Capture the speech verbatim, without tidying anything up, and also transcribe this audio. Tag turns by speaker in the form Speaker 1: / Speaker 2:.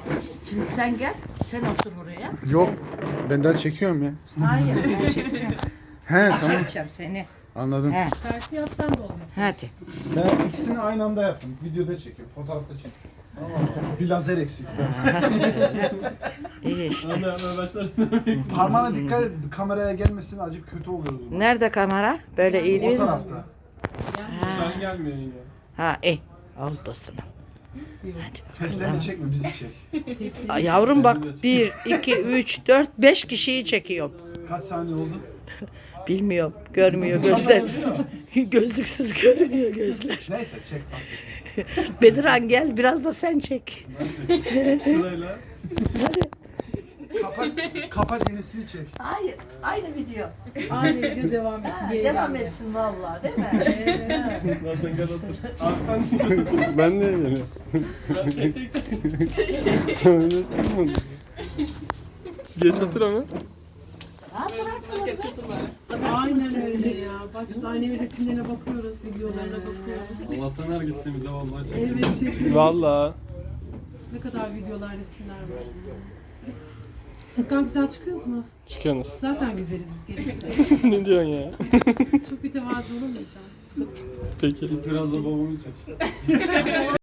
Speaker 1: Şimdi sen gel, sen otur oraya.
Speaker 2: Yok. Ben daha çekiyorum ya.
Speaker 1: Hayır, ben çekeceğim.
Speaker 2: He tamam.
Speaker 1: Çekeceğim seni.
Speaker 2: Anladım.
Speaker 1: He,
Speaker 3: Selfie yapsan da olmaz.
Speaker 1: hadi.
Speaker 2: Ben ikisini aynı anda yaptım. Videoda çekiyorum, fotoğrafta çekiyorum. Bir lazer eksik.
Speaker 1: İyi işte.
Speaker 2: Parmağına dikkat et, kameraya gelmesin, acı kötü oluyoruz. o zaman.
Speaker 1: Nerede kamera? Böyle iyi
Speaker 2: O
Speaker 1: değil mi?
Speaker 2: tarafta.
Speaker 4: Sen gelmiyor yine.
Speaker 1: Ha, iyi. Oldu sana.
Speaker 2: Fesleğeni çekme, bizi çek.
Speaker 1: Ay, yavrum bak, bir, iki, üç, dört, beş kişiyi çekiyorum.
Speaker 2: Kaç saniye oldu?
Speaker 1: Bilmiyorum, görmüyor gözler. Gözlüksüz görmüyor gözler.
Speaker 2: Neyse çek fark
Speaker 1: Bedirhan gel, biraz da sen çek.
Speaker 4: Sırayla.
Speaker 1: Hadi.
Speaker 2: Kapat, kapat yenisini çek.
Speaker 1: Hayır, aynı video.
Speaker 3: Aynı video devam etsin.
Speaker 1: Ha,
Speaker 3: geri
Speaker 1: devam
Speaker 3: geldi.
Speaker 1: etsin vallahi, değil mi?
Speaker 4: Zaten gel otur. Abi sen
Speaker 5: Ben de geliyorum.
Speaker 4: ben tek tek çıkacaksın.
Speaker 5: Geç otur ama.
Speaker 3: Aynen öyle ya. Bak şimdi annemin resimlerine bakıyoruz, videolarına bakıyoruz.
Speaker 4: Allah'tan her gittiğimizde vallahi çekiyor.
Speaker 3: Evet çekiyoruz.
Speaker 5: Valla.
Speaker 3: Ne kadar videolar, resimler var. Furkan güzel çıkıyoruz mu?
Speaker 5: Çıkıyorsunuz.
Speaker 3: Zaten güzeliz biz gerekli.
Speaker 5: Ne diyorsun ya?
Speaker 3: Çok bir tevazu olamayacağım.
Speaker 5: Peki.
Speaker 4: Biraz da babamı çek.